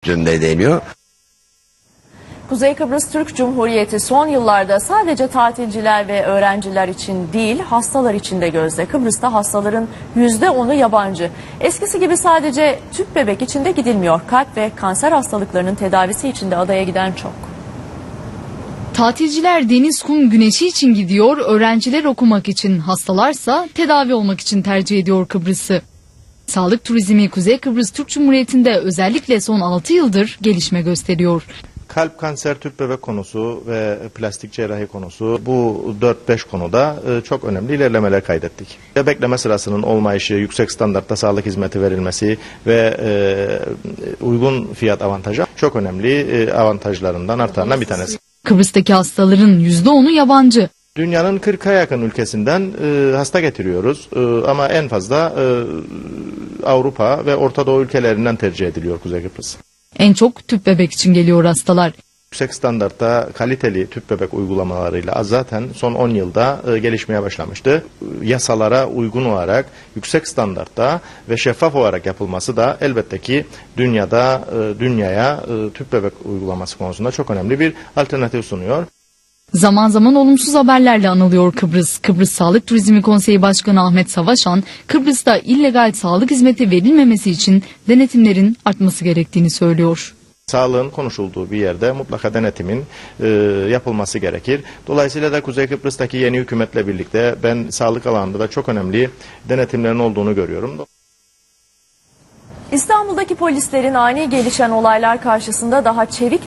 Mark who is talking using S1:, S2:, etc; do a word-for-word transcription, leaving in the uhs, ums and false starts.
S1: üstünde deniyor.
S2: Kuzey Kıbrıs Türk Cumhuriyeti son yıllarda sadece tatilciler ve öğrenciler için değil, hastalar için de gözde. Kıbrıs'ta hastaların yüzde onu yabancı. Eskisi gibi sadece tüp bebek için de gidilmiyor. Kalp ve kanser hastalıklarının tedavisi için de adaya giden çok.
S3: Tatilciler deniz, kum, güneşi için gidiyor, öğrenciler okumak için, hastalarsa tedavi olmak için tercih ediyor Kıbrıs'ı. Sağlık turizmi Kuzey Kıbrıs Türk Cumhuriyeti'nde özellikle son altı yıldır gelişme gösteriyor.
S4: Kalp, kanser, tüp bebek konusu ve plastik cerrahi konusu, bu dört beş konuda çok önemli ilerlemeler kaydettik. Bekleme sırasının olmayışı, yüksek standartta sağlık hizmeti verilmesi ve e, uygun fiyat avantajı çok önemli e, avantajlarından artarından bir tanesi.
S3: Kıbrıs'taki hastaların yüzde onu yabancı.
S4: Dünyanın kırka yakın ülkesinden e, hasta getiriyoruz e, ama en fazla e, Avrupa ve Orta Doğu ülkelerinden tercih ediliyor Kuzey Kıbrıs.
S3: En çok tüp bebek için geliyor hastalar.
S4: Yüksek standartta kaliteli tüp bebek uygulamalarıyla zaten son on yılda e, gelişmeye başlamıştı. Yasalara uygun olarak yüksek standartta ve şeffaf olarak yapılması da elbette ki dünyada e, dünyaya e, tüp bebek uygulaması konusunda çok önemli bir alternatif sunuyor.
S3: Zaman zaman olumsuz haberlerle anılıyor Kıbrıs. Kıbrıs Sağlık Turizmi Konseyi Başkanı Ahmet Savaşan, Kıbrıs'ta illegal sağlık hizmeti verilmemesi için denetimlerin artması gerektiğini söylüyor.
S4: Sağlığın konuşulduğu bir yerde mutlaka denetimin e, yapılması gerekir. Dolayısıyla da Kuzey Kıbrıs'taki yeni hükümetle birlikte ben sağlık alanında da çok önemli denetimlerin olduğunu görüyorum.
S2: İstanbul'daki polislerin ani gelişen olaylar karşısında daha çevik